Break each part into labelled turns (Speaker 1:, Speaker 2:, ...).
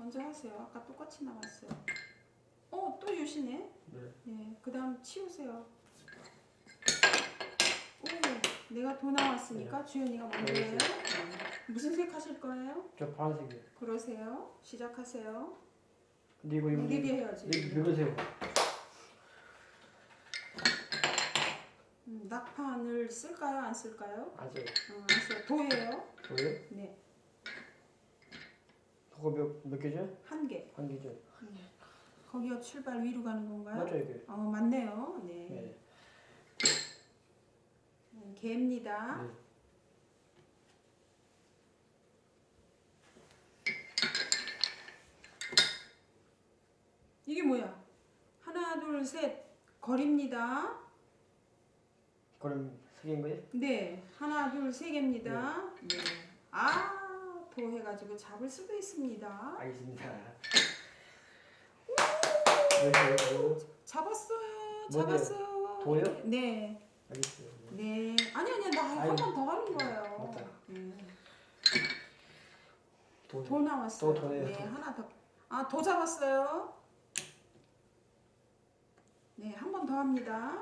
Speaker 1: 먼저 하세요. 아까 똑같이 나왔어요. 또 유시네.
Speaker 2: 네.
Speaker 1: 네, 그 다음 치우세요. 오, 내가 도 나왔으니까 주연이가 먼저 해요. 무슨 색 하실 거예요?
Speaker 2: 저 파란색이요.
Speaker 1: 그러세요. 시작하세요.
Speaker 2: 근데 이거
Speaker 1: 느리게 해야지.
Speaker 2: 읽으세요.
Speaker 1: 낙판을 쓸까요? 안 쓸까요?
Speaker 2: 안 써요.
Speaker 1: 안 써요. 도예요.
Speaker 2: 저요?
Speaker 1: 네,
Speaker 2: 그거 몇 개죠?
Speaker 1: 한 개.
Speaker 2: 한 개죠.
Speaker 1: 거기가 출발 위로 가는 건가요?
Speaker 2: 맞죠 이게?
Speaker 1: 맞네요. 네.
Speaker 2: 네.
Speaker 1: 개입니다.
Speaker 2: 네.
Speaker 1: 이게 뭐야? 하나, 둘, 셋. 거리입니다.
Speaker 2: 그럼 세 개인 거예요?
Speaker 1: 네, 하나, 둘, 세 개입니다. 네. 도 해가지고 잡을 수도 있습니다.
Speaker 2: 알겠습니다. 네.
Speaker 1: 잡았어요.
Speaker 2: 뭔데요?
Speaker 1: 잡았어요.
Speaker 2: 도요?
Speaker 1: 네.
Speaker 2: 알겠어요.
Speaker 1: 네. 아니, 나 한 번 더 하는 거예요.
Speaker 2: 맞다.
Speaker 1: 도 나왔어요.
Speaker 2: 또 도네요.
Speaker 1: 네, 하나 더. 도 잡았어요. 네, 한 번 더 합니다.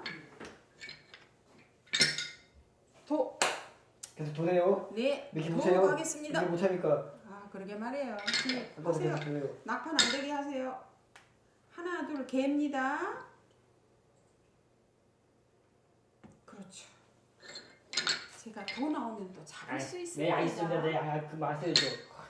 Speaker 1: 도.
Speaker 2: 계속 도네요.
Speaker 1: 네,
Speaker 2: 이렇게
Speaker 1: 도
Speaker 2: 보세요.
Speaker 1: 가겠습니다.
Speaker 2: 이렇게 못하니까.
Speaker 1: 그러게 말이에요. 네,
Speaker 2: 아까도
Speaker 1: 하세요.
Speaker 2: 계속 도네요.
Speaker 1: 낙판 안 되게 하세요. 하나, 둘, 개입니다. 그렇죠. 제가 도 나오면 또 잡을 수 있습니다.
Speaker 2: 네, 알겠습니다. 네, 그 마세요.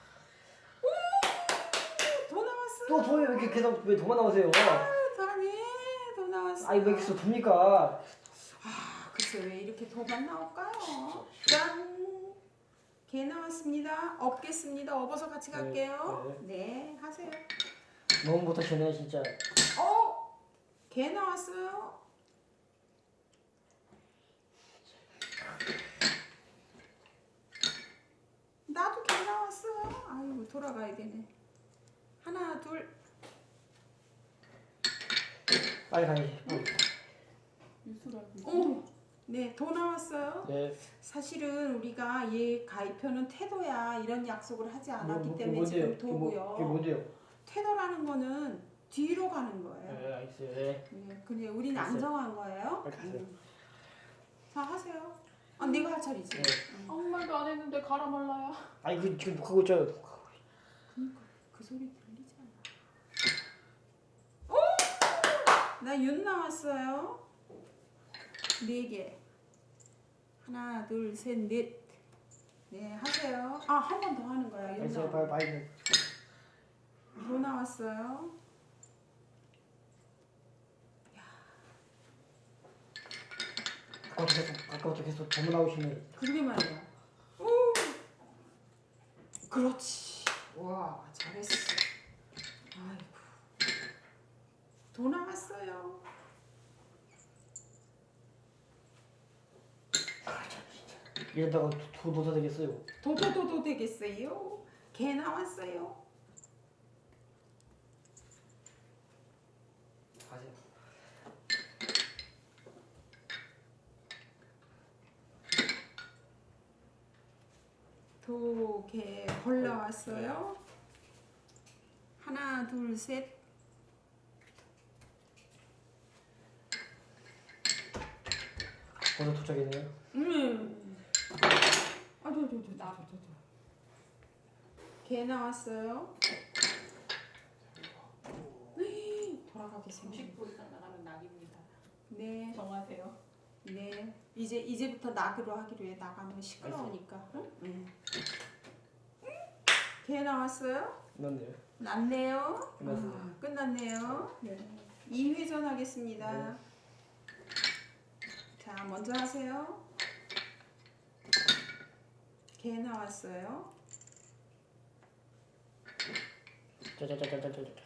Speaker 1: 도 나왔어요.
Speaker 2: 또 도요. 이렇게 계속 왜 도만 나오세요?
Speaker 1: 다음에 도 나왔어요.
Speaker 2: 아니 왜 계속 돕니까?
Speaker 1: 글쎄 왜 이렇게 도만 나올까요? 짠! 개 나왔습니다. 업겠습니다. 업어서 같이 갈게요. 네, 하세요.
Speaker 2: 너무 못하시네 진짜.
Speaker 1: 개 나왔어요. 나도 개 나왔어요. 아이고 돌아가야 되네. 하나, 둘.
Speaker 2: 빨리 가야지.
Speaker 1: 네, 도 나왔어요.
Speaker 2: 네.
Speaker 1: 사실은 우리가 얘 가입표는 태도야 이런 약속을 하지 않았기 때문에
Speaker 2: 뭔데요?
Speaker 1: 지금 도고요.
Speaker 2: 그게 뭔데요?
Speaker 1: 태도라는 거는 뒤로 가는 거예요.
Speaker 2: 네, 알겠어요. 네.
Speaker 1: 근데 우리는 안
Speaker 2: 알겠어요.
Speaker 1: 정한 거예요.
Speaker 2: 알겠어요.
Speaker 1: 자, 하세요. 네가 할 차례지.
Speaker 2: 네.
Speaker 3: 아무 말도 안 했는데 가라 말라야.
Speaker 2: 아니 그 지금 녹화하고 있잖아요.
Speaker 1: 그러니까 그 소리 들리지 않아. 나 윤 나왔어요. 4개. 하나, 둘, 셋, 넷. 네, 하세요. 한 번 더 하는 거야. 윤
Speaker 2: 알겠어요.
Speaker 1: 나왔어요.
Speaker 2: 빨리.
Speaker 1: 도 나왔어요.
Speaker 2: 아까부터 계속 도만 나오시네.
Speaker 1: 그러게 말이야. 그렇지. 와, 잘했어. 아이고. 도 나왔어요.
Speaker 2: 이러다가 도사 되겠어요.
Speaker 1: 도도도도 되겠어요. 개 나왔어요.
Speaker 2: 가세요.
Speaker 1: 도, 개, 벌 나왔어요. 하나, 둘, 셋.
Speaker 2: 벌써 도착했네요.
Speaker 1: 개 나왔어요. 돌아가게 생겼네.
Speaker 3: 30분 이상 나가면 낙입니다.
Speaker 1: 네,
Speaker 3: 정하세요.
Speaker 1: 네. 이제부터 낙으로 하기로 해. 나가면 시끄러우니까. 응? 개 나왔어요.
Speaker 2: 끝났네요.
Speaker 1: 났네요.
Speaker 2: 끝났어요.
Speaker 1: 끝났네요. 네. 2회전 하겠습니다.
Speaker 2: 네.
Speaker 1: 자, 먼저 하세요. 개 나왔어요.
Speaker 2: 짜자자자자자.